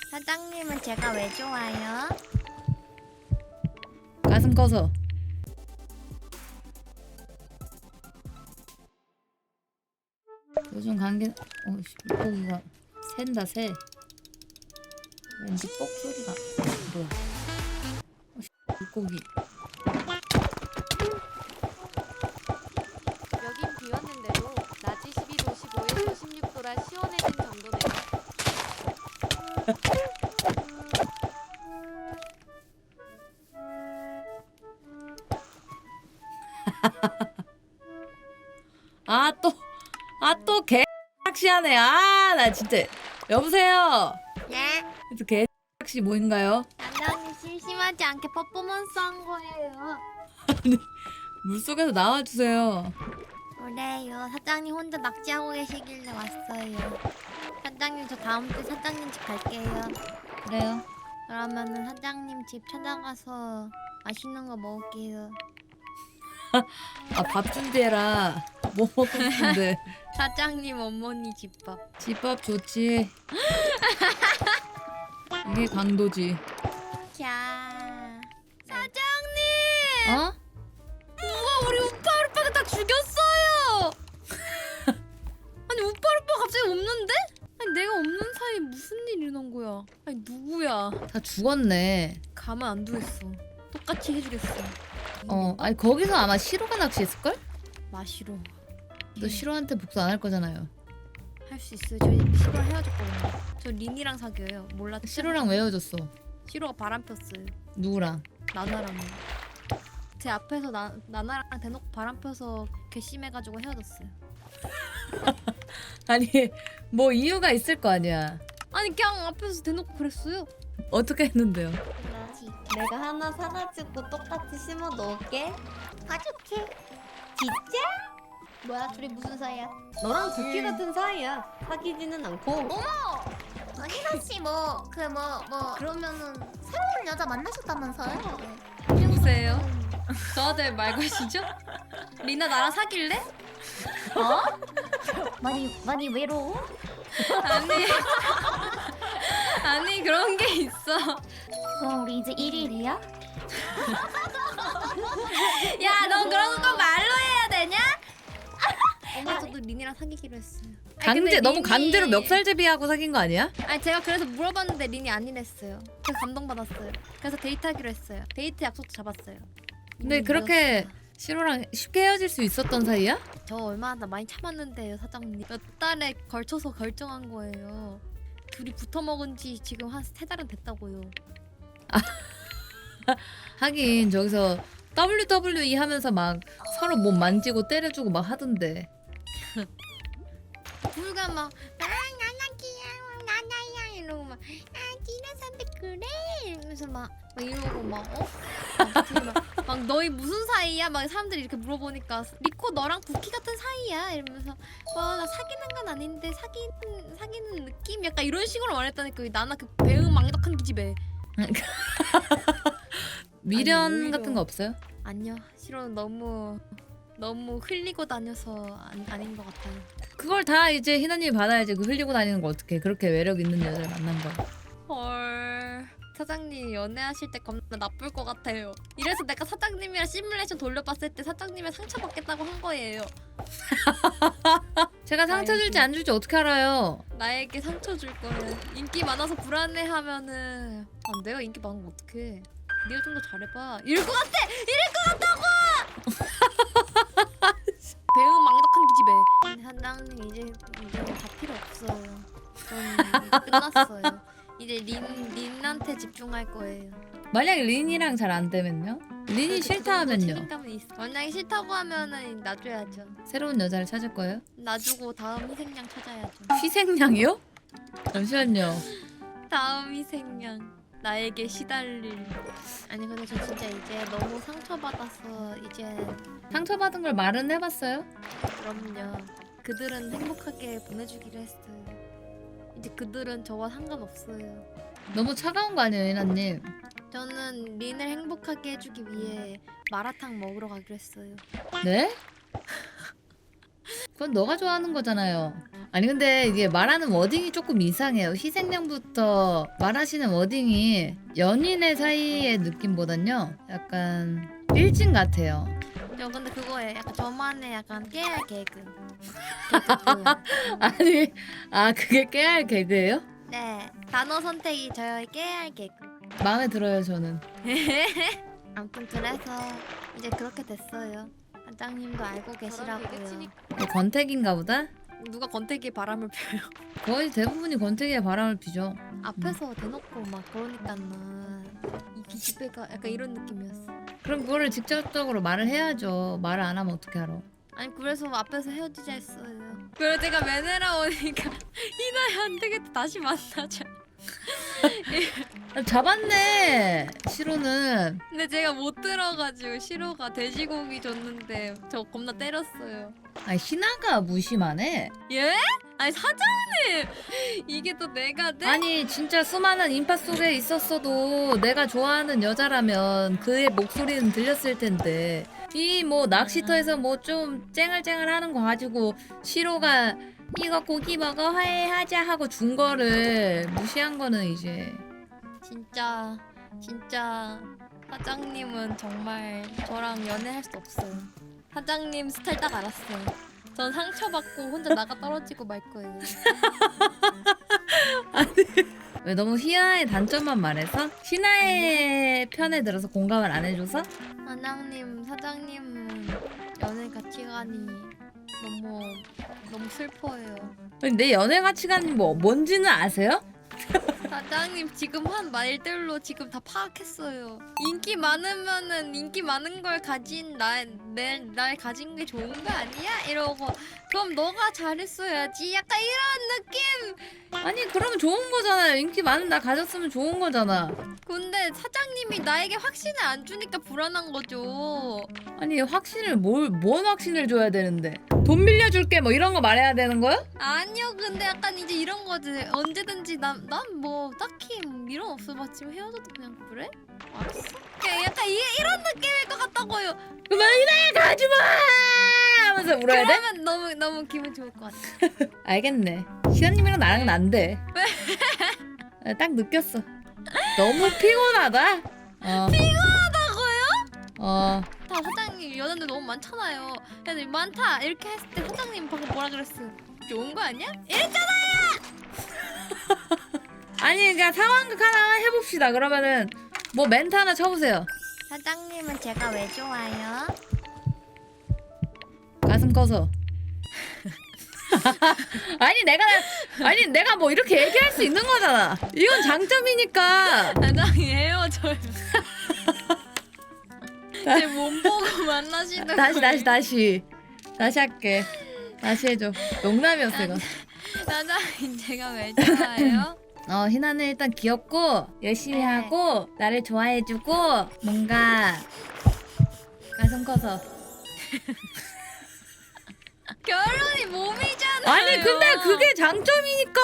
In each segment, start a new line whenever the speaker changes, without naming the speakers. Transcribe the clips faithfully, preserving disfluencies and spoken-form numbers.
사장님은 제가 왜 좋아요?
가슴 커서. 요즘 관계 어씨 물고기가 샌다 새. 왠지 뻑 소리가 뭐야? 어씨 물고기.
여긴 비왔는데도 낮이 십이 도 십오에서 십육 도라 시원해진 정도네요.
아 또 아 또 개낚시하네. 아 나 진짜. 여보세요.
네?
그래서 개낚시 뭐인가요?
사장님 심심하지 않게 퍼포먼스 한 거예요.
물속에서 나와주세요.
그래요. 사장님 혼자 낚시하고 계시길래 왔어요. 사장님 저 다음 주 사장님 집 갈게요.
그래요.
그러면은 사장님 집 찾아가서 맛있는 거 먹을게요.
아 밥 준비해라. 뭐 먹고 싶은데.
사장님 어머니 집밥.
집밥 좋지. 이게 강도지.
자, 사장님!
어?
우와 우리 우파 오빠가 다 죽였어요. 아니 우파 오빠 갑자기 없는데? 아니 내가 없는 사이에 무슨 일이 일어난 거야? 아니 누구야?
다 죽었네.
가만 안 두겠어. 똑같이 해주겠어.
어, 아니 거기서 아마 시로가 낚시했을걸?
마시로
너 시로한테 복수 안 할 거잖아요.
할 수 있어요. 저희 시로 헤어졌거든요. 저 린이랑 사귀어요. 몰랐죠?
시로랑 왜 헤어졌어?
시로가 바람 폈어요.
누구랑?
나나랑. 제 앞에서 나 나나랑 대놓고 바람 펴서 괘씸해가지고 헤어졌어요.
아니 뭐 이유가 있을 거 아니야.
아니 그냥 앞에서 대놓고 그랬어요.
어떻게 했는데요?
내가 하나 사가지고 똑같이 심어 놓을게.
사줄게.
진짜?
뭐야 둘이 무슨 사이야?
너랑 부키 같은 사이야. 사귀지는 않고.
희나 씨 뭐 그 뭐 뭐 그러면은 새로운 여자 만나셨다면서요?
누구세요? 저한테 말 거시죠? 리나 나랑 사귈래?
어? 많이 많이 외로워?
아니 아니 그런 게 있어.
그럼 우리 이제 일 일이야?
야 너 그런 거 말로 해야 되냐? 엄마 저도 린이랑 사귀기로 했어요. 아니,
강제
근데
너무
린이-
강제로 멱살제비하고 사귄 거 아니야?
아니 제가 그래서 물어봤는데 린이 아니랬어요. 그래서 감동받았어요. 그래서 데이트하기로 했어요. 데이트 약속도 잡았어요.
근데
린이
그렇게
늦었어요.
시로랑 쉽게 헤어질 수 있었던 사이야?
저 얼마나 많이 참았는데요 사장님. 몇 달에 걸쳐서 결정한 거예요. 둘이 붙어 먹은 지 지금 한 세 달은 됐다고요.
하긴 저기서 더블유더블유이 하면서 막 서로 몸 만지고 때려주고 막 하던데.
둘가 막 나랑 나나기야 나나야 이러고 막아 디나 선배 그래 이러면서 막, 막 이러고 막 어? 막, 둘이 막, 막 너희 무슨 사이야? 막 사람들이 이렇게 물어보니까 리코 너랑 부키 같은 사이야 이러면서 와 나 사귀는 건 아닌데 사귀는 사귀는 느낌? 약간 이런 식으로 말했다니까 나나 그 배응 망덕한 기집애.
미련
아니, 오히려-
같은 거 없어요?
아니요 싫어 너무 너무 흘리고 다녀서 안, 아닌 것 같아요.
그걸 다 이제 희나님이 받아야지. 그 흘리고 다니는 거 어떻게 그렇게 매력 있는 여자를 만난 거.
헐 사장님 연애하실 때 겁나 나쁠 것 같아요. 이래서 내가 사장님이랑 시뮬레이션 돌려봤을 때 사장님의 상처받겠다고 한 거예요.
제가 상처
아이고.
줄지 안 줄지 어떻게 알아요?
나에게 상처 줄 거예요. 인기 많아서 불안해하면은 아, 내가 인기 많으면 어떡해. 네가 좀 더 잘해봐. 이럴 것 같아! 이럴 것 같다고! 배응 망덕한 기집애. 사장님 이제 이제 다 필요 없어요. 전 이제 끝났어요. 이제 린 린한테 집중할 거예요.
만약 린이랑 잘 안 되면요? 린이 싫다 하면요?
책임감은 있어. 만약에 싫다고 하면은 놔줘야죠.
새로운 여자를 찾을 거예요?
놔주고 다음 희생양 찾아야죠.
희생양이요? 잠시만요.
다음 희생양. 나에게 시달릴. 아니 근데 저 진짜 이제 너무 상처받아서 이제
상처받은 걸 말은 해봤어요?
그럼요. 그들은 행복하게 보내주기로 했어요. 이제 그들은 저와 상관없어요.
너무 차가운 거 아니에요, 희나님?
저는 린을 행복하게 해주기 위해 마라탕 먹으러 가기로 했어요.
네? 그건 너가 좋아하는 거잖아요. 아니 근데 이게 말하는 워딩이 조금 이상해요. 희생양부터 말하시는 워딩이 연인의 사이의 느낌보단요 약간 일진 같아요.
저 근데 그거에 약간 저만의 약간 깨알 개그.
아니 아 그게 깨알 개그예요?
네 단어 선택이 저의 깨알 개그.
마음에 들어요 저는.
아무튼 그래서 이제 그렇게 됐어요. 사장님도 알고
저런
계시라고요.
개그치니
뭐 건택인가 보다?
누가 권태기에 바람을 펴요?
거의 대부분이 건택에 바람을 피죠.
앞에서 대놓고 막 그러니까는 이 기집애가 약간 이런 느낌이었어.
그럼 그거를 직접적으로 말을 해야죠. 말을 안 하면 어떻게 알아?
아니 그래서 앞에서 헤어지자 했어요. 그래서 제가 매네라 오니까 이나야 안 되겠다 다시 만나자.
아, 잡았네 시로는.
근데 제가 못 들어가지고 시로가 돼지고기 줬는데 저 겁나 때렸어요.
아 희나가 무심하네.
예? 아니 사장님 이게 또 내가 내
아니 진짜 수많은 인파 속에 있었어도 내가 좋아하는 여자라면 그의 목소리는 들렸을 텐데 이 뭐 낚시터에서 뭐 좀 쨍얼쨍얼하는 거 가지고 시로가 이거 고기 먹어 화해하자 하고 준 거를 무시한 거는 이제
진짜 진짜 사장님은 정말 저랑 연애할 수 없어요. 사장님 스타일 딱 알았어요. 전 상처받고 혼자 나가 떨어지고 말 거예요.
왜 너무 희나의 단점만 말해서? 희나의 편에 들어서 공감을 안 해줘서?
사장님 사장님은 연애 가치관이 너무 너무 슬퍼요.
아니, 내 연애 가치관이 뭐 뭔지는 아세요?
사장님 지금 한 말들로 지금 다 파악했어요. 인기 많으면은 인기 많은 걸 가진 날날 날 가진 게 좋은 거 아니야? 이러고 그럼 너가 잘했어야지. 약간 이런 느낌.
아니 그러면 좋은 거잖아요. 인기 많은 나 가졌으면 좋은 거잖아.
근데 사장님이 나에게 확신을 안 주니까 불안한 거죠.
아니 확신을 뭘, 뭔 확신을 줘야 되는데 돈 빌려줄게 뭐 이런 거 말해야 되는 거야?
아니요, 근데 약간 이제 이런 거지. 언제든지 난 난 뭐 딱히 미련 없어. 막 지금 헤어져도 그냥 그래? 알았어. 그냥 약간 이, 이런 느낌일 것 같다고요.
그만 희나야 가지마 하면서 울어야 돼?
그러면 너무 너무 기분 좋을 것 같아.
알겠네. 시아님이랑 나랑은 안 돼. 아, 딱 느꼈어. 너무 피곤하다. 어.
피곤하다고요?
어.
다 사장님 연애들 너무 많잖아요. 애들 많다 이렇게 했을 때 사장님 방금 뭐라 그랬어요? 좋은 거 아니야? 이랬잖아요.
아니 그러니까 상황극 하나 해봅시다. 그러면은 뭐 멘트 하나 쳐보세요.
사장님은 제가 왜 좋아요?
가슴 커서. 아니 내가 아니 내가 뭐 이렇게 얘기할 수 있는 거잖아. 이건 장점이니까.
사장님 헤어져요. 제 몸 보고 만나시는
다시
거예요.
다시 다시 다시 할게. 다시 해줘. 농담이었어 이거.
사장님 제가 왜 좋아요?
어 희나는 일단 귀엽고 열심히
네.
하고 나를 좋아해주고 뭔가 가슴 커서.
결론이 몸이잖아요.
아니 근데 그게 장점이니까.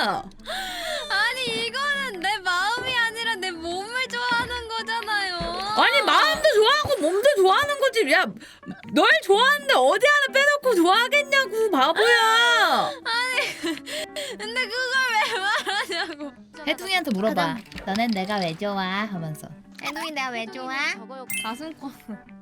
아니 이거는 내 마음이 아니라 내 몸을 좋아하는 거잖아요.
아니 마음도 좋아하고 몸도 좋아하는 거지. 야 널 좋아하는데 어디 하나 빼놓고 좋아하겠냐고 바보야.
근데 그걸 왜 말하냐고.
혜둥이한테 물어봐. 너넨 내가 왜 좋아? 하면서.
애동이 내가 왜 좋아?
저거요.
가슴 커.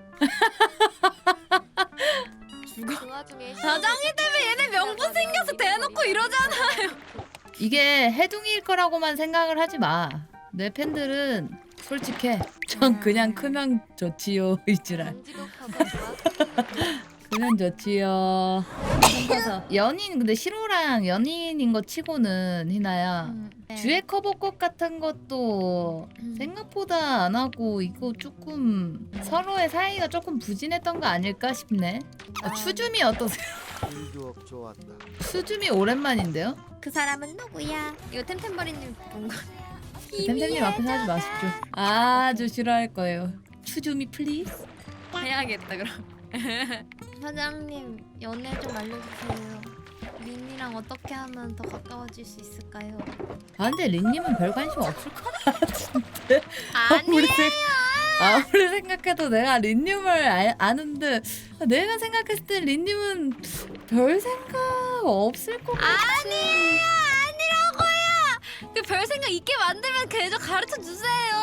그 와중에
사장님 때문에 얘네 명분 생겨서 대놓고 이러잖아요.
이게 혜둥이일 거라고만 생각을 하지 마. 내 팬들은 솔직해. 전 그냥 크면 좋지요 이지랄.
만지고 커서 좋아.
크면 좋지요. 커서 연인 근데 시로랑 연인인 거 치고는 희나야. 주에 커버곡 같은 것도
음.
생각보다 안 하고 이거 조금 서로의 사이가 조금 부진했던 거 아닐까 싶네. 아, 추줌이 어떠세요?
유혹 좋았다.
추줌이 오랜만인데요?
그 사람은 누구야? 이거 템템버리님 본 거.
템템님 앞에서 하지 마십시오. 아주 싫어할 거예요. 추줌이 플리즈.
해야겠다 그럼. 사장님 연애 좀 알려주세요. 린이랑 어떻게 하면 더 가까워질 수 있을까요?
아 근데 린님은 별 관심 없을 것 같은데.
아니
아무리, 생, 아무리 생각해도 내가 린님을 아, 아는데 내가 생각했을 때 린님은 별 생각 없을 것 같아.
아니에요 아니라고요. 그 별 생각 있게 만들면 계속 가르쳐 주세요.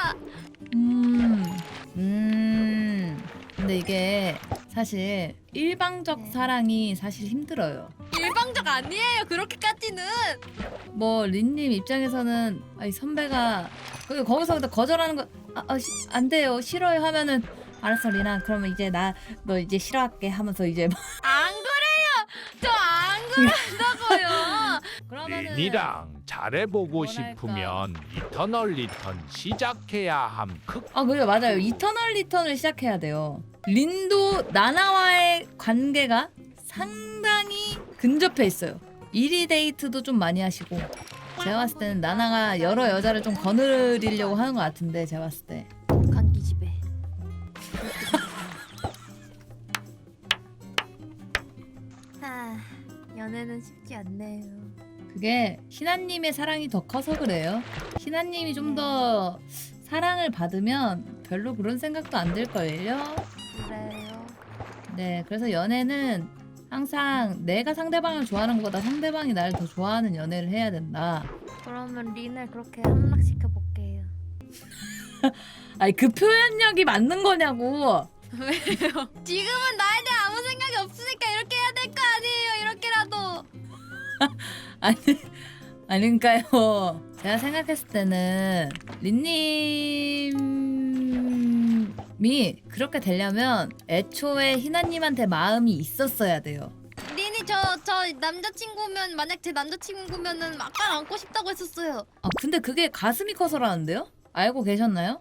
음, 음. 근데 이게 사실 일방적
네.
사랑이 사실 힘들어요.
일방적 아니에요 그렇게까지는.
뭐 린님 입장에서는 아이 선배가 그 거기서 근데 거절하는 거 아, 아, 시, 안 돼요 싫어요 하면은 알았어 리나 그러면 이제 나 너 이제 싫어할게 하면서 이제 막
안 그래요. 저 안 그런다고요.
그러면은
린이랑 잘해보고
뭐랄까.
싶으면 이터널 리턴 시작해야 함. 크
아 그래 맞아요 이터널 리턴을 시작해야 돼요. 린도 나나와의 관계가 상당히 근접해 있어요. 일위 데이트도 좀 많이 하시고 제가 봤을 때는 나나가 여러 여자를 좀 거느리려고 하는 것 같은데 제가 봤을 때
감기 집에. 아, 연애는 쉽지 않네요.
그게 희나님의 사랑이 더 커서 그래요. 희나님이 좀 더 사랑을 받으면 별로 그런 생각도 안 들걸요.
그래요.
네, 그래서 연애는 항상 내가 상대방을 좋아하는 것보다 상대방이 나를 더 좋아하는 연애를 해야 된다.
그러면 린을 그렇게 함락시켜 볼게요.
아니 그 표현력이 맞는 거냐고.
지금은 나에 대해 아무 생각이 없으니까 이렇게 해야 될 거 아니에요. 이렇게라도.
아니 아닌가요? 제가 생각했을 때는 린님이 그렇게 되려면 애초에 희나님한테 마음이 있었어야 돼요.
린이 저 저 남자친구면 만약 제 남자친구면은 아까 안고 싶다고 했었어요.
아 근데 그게 가슴이 커서라는데요? 알고 계셨나요?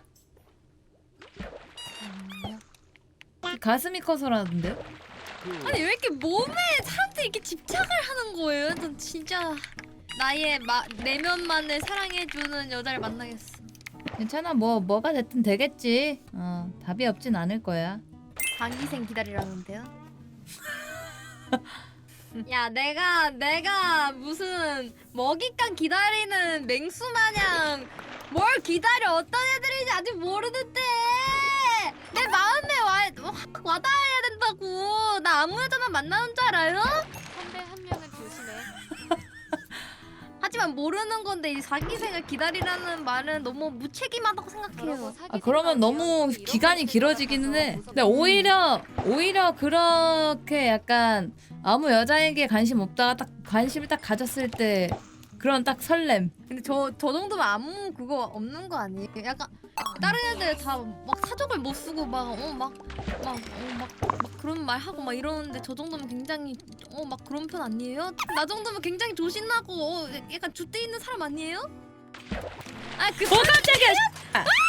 가슴이 커서라는데요?
아니 왜 이렇게 몸에 사람들이 이렇게 집착을 하는 거예요? 전 진짜 나의 마, 내면만을 사랑해주는 여자를 만나겠어.
괜찮아 뭐 뭐가 됐든 되겠지. 어 답이 없진 않을 거야.
장기생 기다리라는데요? 야 내가 내가 무슨 먹잇감 기다리는 맹수 마냥 뭘 기다려 어떤 애들인지 아직 모르는데 내 마음에 와, 확 와닿아야 된다고. 나 아무 여자만 만나는 줄 알아요?
선배 한 명은 조심해.
하지만 모르는 건데 이 자기생을 기다리라는 말은 너무 무책임하다고
그러고
생각해요.
사귀지
아 그러면
말면
너무
이런
기간이
것들
길어지기는 해.
무섭다.
근데 오히려 오히려 그렇게 약간 아무 여자에게 관심 없다가 딱 관심을 딱 가졌을 때 그런 딱 설렘.
근데 저 저 정도면 아무 그거 없는 거 아니에요? 약간 다른 애들 다 막 사족을 못 쓰고 막 어 막 막 어 막 막 그런 말 하고 막 이러는데 저 정도면 굉장히 어 막 그런 편 아니에요? 나 정도면 굉장히 조신하고 어, 약간 줏대 있는 사람 아니에요? 아그
어 깜짝이야.